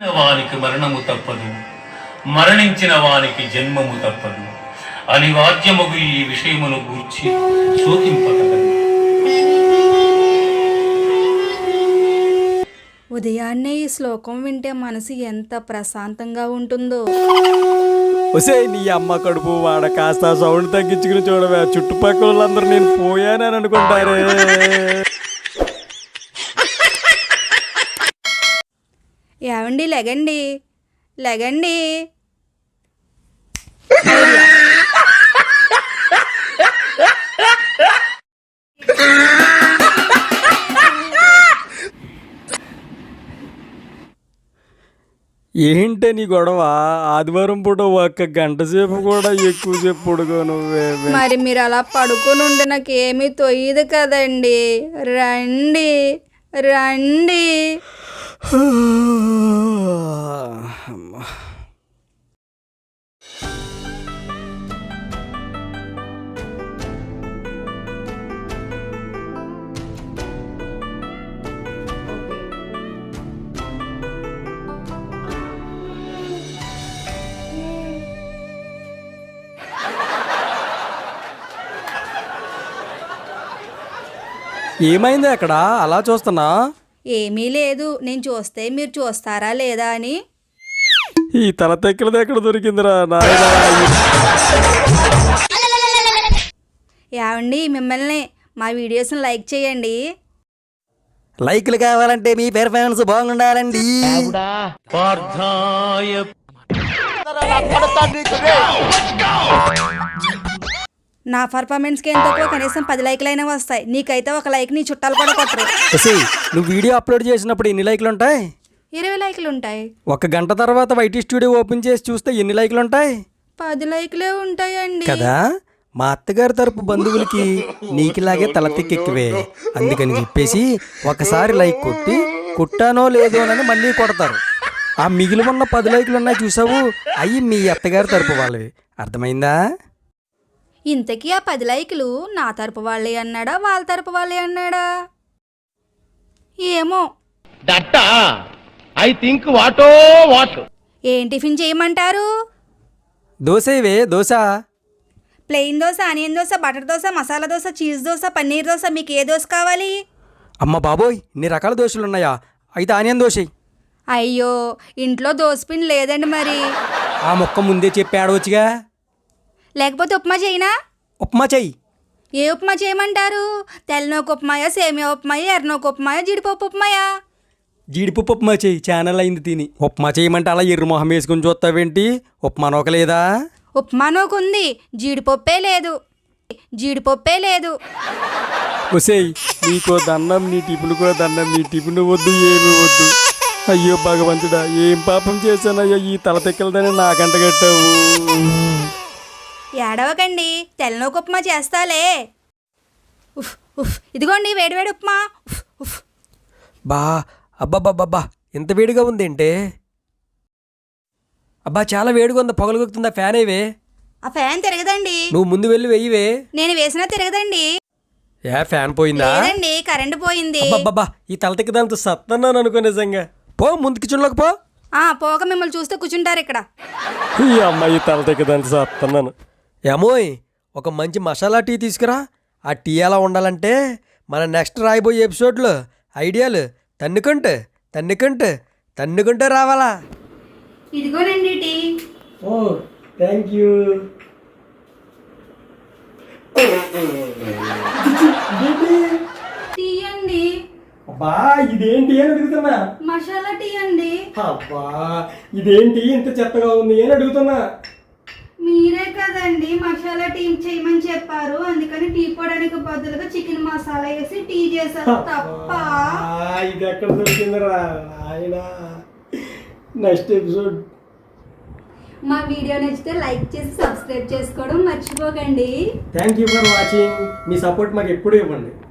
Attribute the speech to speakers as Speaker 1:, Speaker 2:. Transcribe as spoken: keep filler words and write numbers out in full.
Speaker 1: వానికి మరణము తప్పదు, మరణించిన వానికి జన్మము తప్పదు. అనివార్యమగు ఈ విషయమును గూర్చి శోకింపగలదు.
Speaker 2: ఉదయాన్నే ఈ శ్లోకం వింటే మనసు ఎంత ప్రశాంతంగా ఉంటుందో.
Speaker 3: ఒసే నీ అమ్మ కడుపు వాడ కాస్త సౌండ్ తగ్గించుకుని చూడవే, చుట్టుపక్కల వాళ్ళందరూ నేను పోయానని అనుకుంటారే.
Speaker 2: ఏవండి లెగండి లెగండి.
Speaker 3: ఏంటే నీ గొడవ? ఆదివారం పూట ఒక్క గంట సేపు కూడా ఎక్కువ సేపు పడుకో నువ్వే.
Speaker 2: మరి మీరు అలా పడుకొని ఉంటే నాకు ఏమీ తొయ్యదు కదండి. రండి రండి.
Speaker 3: ఏమైంది అక్కడ అలా చూస్తున్నా?
Speaker 2: ఏమీ లేదు, నేను చూస్తే మీరు చూస్తారా లేదా అని.
Speaker 3: ఈ తల తెక్కలది ఎక్కడ దొరికిందిరా నాయనా?
Speaker 2: ఏవండి మిమ్మల్ని మా వీడియోస్ని లైక్ చేయండి.
Speaker 3: లైక్లు కావాలంటే మీ పెర్ఫార్మెన్స్ బాగుండాలండి.
Speaker 2: నా పర్ఫార్మెన్స్కి ఏం తక్కువ, కనీసం పది లైక్లైనా వస్తాయి. నీకైతే ఒక లైక్ నీ చుట్టాలు కూడా కొట్టరు.
Speaker 3: నువ్వు వీడియో అప్లోడ్ చేసినప్పుడు ఎన్ని లైక్లు ఉంటాయి?
Speaker 2: ఇరవై లైక్లు ఉంటాయి.
Speaker 3: ఒక గంట తర్వాత వైటీ స్టూడియో ఓపెన్ చేసి చూస్తే ఎన్ని లైక్లు ఉంటాయి?
Speaker 2: పది లైక్లే ఉంటాయండి
Speaker 3: కదా. మా అత్తగారి తరపు బంధువులకి నీకులాగే తలతిక్కెక్కువే. అందుకని చెప్పేసి ఒకసారి లైక్ కొట్టి కుట్టానో లేదోనని మళ్ళీ కొడతారు. ఆ మిగిలి ఉన్న పది లైక్లు ఉన్నాయి చూసావు, అవి మీ అత్తగారి తరపు వాళ్ళవి. అర్థమైందా?
Speaker 2: ఇంతకీ ఆ పది లైకులు నా తరపు వాళ్ళే అన్నాడా వాళ్ళ తరపు వాళ్ళే అన్నాడా ఏమో.
Speaker 4: ఐ థింక్ వాటో వాట్.
Speaker 2: ఏం టిఫిన్ చేయమంటారు?
Speaker 3: దోశ ఇవే. Dosa
Speaker 2: plain dosa, onion dosa, butter dosa, masala dosa, cheese dosa, paneer dosa, మీకు ఏ దోశ కావాలి?
Speaker 3: అమ్మ బాబోయ్, ఇన్ని రకాల దోశలు ఉన్నాయా? అయితే ఆనియన్ దోశ.
Speaker 2: అయ్యో ఇంట్లో దోశ పిండి లేదండి. మరి
Speaker 3: ఆ మొక్క ముందే చెప్పి ఆడవచ్చుగా.
Speaker 2: లేకపోతే ఉప్మా చేయనా?
Speaker 3: ఉప్మా చెయ్యి.
Speaker 2: ఏ ఉప్మా చేయమంటారు? తెల్లనోకు ఉప్మాయా, సేమియా ఉప్మాయా, ఎర్రనోకు ఉప్మాయా, జీడిపప్పు ఉప్మాయా?
Speaker 3: జీడిపప్పు ఉప్మా చెయ్యి, ఛానల్ అయింది తిని. ఉప్మా చేయమంటే అలా ఎర్ర మొహం వేసుకుని చూస్తావేంటి? ఉప్మా నోకలేదా?
Speaker 2: ఉప్మా నోకు ఉంది, జీడిపప్పే లేదు. జీడిపప్పే లేదు.
Speaker 3: ఒసేయ్ నీకో దండం, నీ టిఫిన్కో దండం. నీ టిఫిన్ వద్దు, ఏమి వద్దు. అయ్యో భగవంతుడా, ఏం పాపం చేశానయ్యో, ఈ తల తెక్కలదని నాకంట కట్టావు.
Speaker 2: ఏడవకండి, తెల్లనోకు ఉప్మా చేస్తాలే. ఉఫ్ ఉఫ్ ఇదిగోండి వేడివేడి ఉప్మా. ఉఫ్ ఉఫ్
Speaker 3: బా అబ్బాబ్బాబ్బా, ఎంత వేడిగా ఉందేంటే? అబ్బా చాలా వేడిగా ఉంది, పొగలుగుతుందా? ఫ్యాన్ అయ్యవే.
Speaker 2: ఆ ఫ్యాన్ తిరగదండి.
Speaker 3: నువ్వు ముందు వెళ్ళి వెయ్యివే.
Speaker 2: నేను వేసినా తిరగదండి.
Speaker 3: ఏ ఫ్యాన్ పోయిందా?
Speaker 2: లేదండి, కరెంట్ పోయింది.
Speaker 3: అబ్బబ్బా, ఈ తల తెక్కదాంతో సత్తన్నాను అనుకో నిజంగా. పో ముందుకి చుండకు పో.
Speaker 2: ఆ పోక మిమ్మల్ని చూస్తే కూర్చుంటారు ఇక్కడ.
Speaker 3: ఈ అమ్మాయి తల తెక్కదాంతో సత్తన్నాను. ఏమోయ్, ఒక మంచి మసాలా టీ తీసుకురా. ఆ టీ ఎలా ఉండాలంటే మన నెక్స్ట్ రాయబోయే ఎపిసోడ్లో ఐడియాలు తన్నుకుంటే తన్నుకుంటే తన్నుకుంటే రావాలా.
Speaker 2: ఇదిగోనండి టీ.
Speaker 3: ఓ థ్యాంక్ యూ.
Speaker 2: టీ అండి.
Speaker 3: అబ్బా ఇదేంటి అని అడుగుతున్నా.
Speaker 2: మసాలా టీ అండి.
Speaker 3: అబ్బా ఇదేంటి ఇంత చెత్తగా ఉంది అని అడుగుతున్నా.
Speaker 2: మీరే కదండి మసాలా టీ చేయమని చెప్పారు, అందుకని టీ పొడానికి బదులుగా చికెన్ మసాలా వేసి టీ చేశారు. తప్ప
Speaker 3: ఇది ఎక్కడ దొరికిందిరా ఆయన. Next episode.
Speaker 2: మా వీడియో నచ్చితే లైక్ చేసి సబ్స్క్రైబ్ చేసుకోవడం మర్చిపోకండి.
Speaker 3: Thank you for watching. మీ సపోర్ట్ మాకు ఎప్పుడు ఇవ్వండి.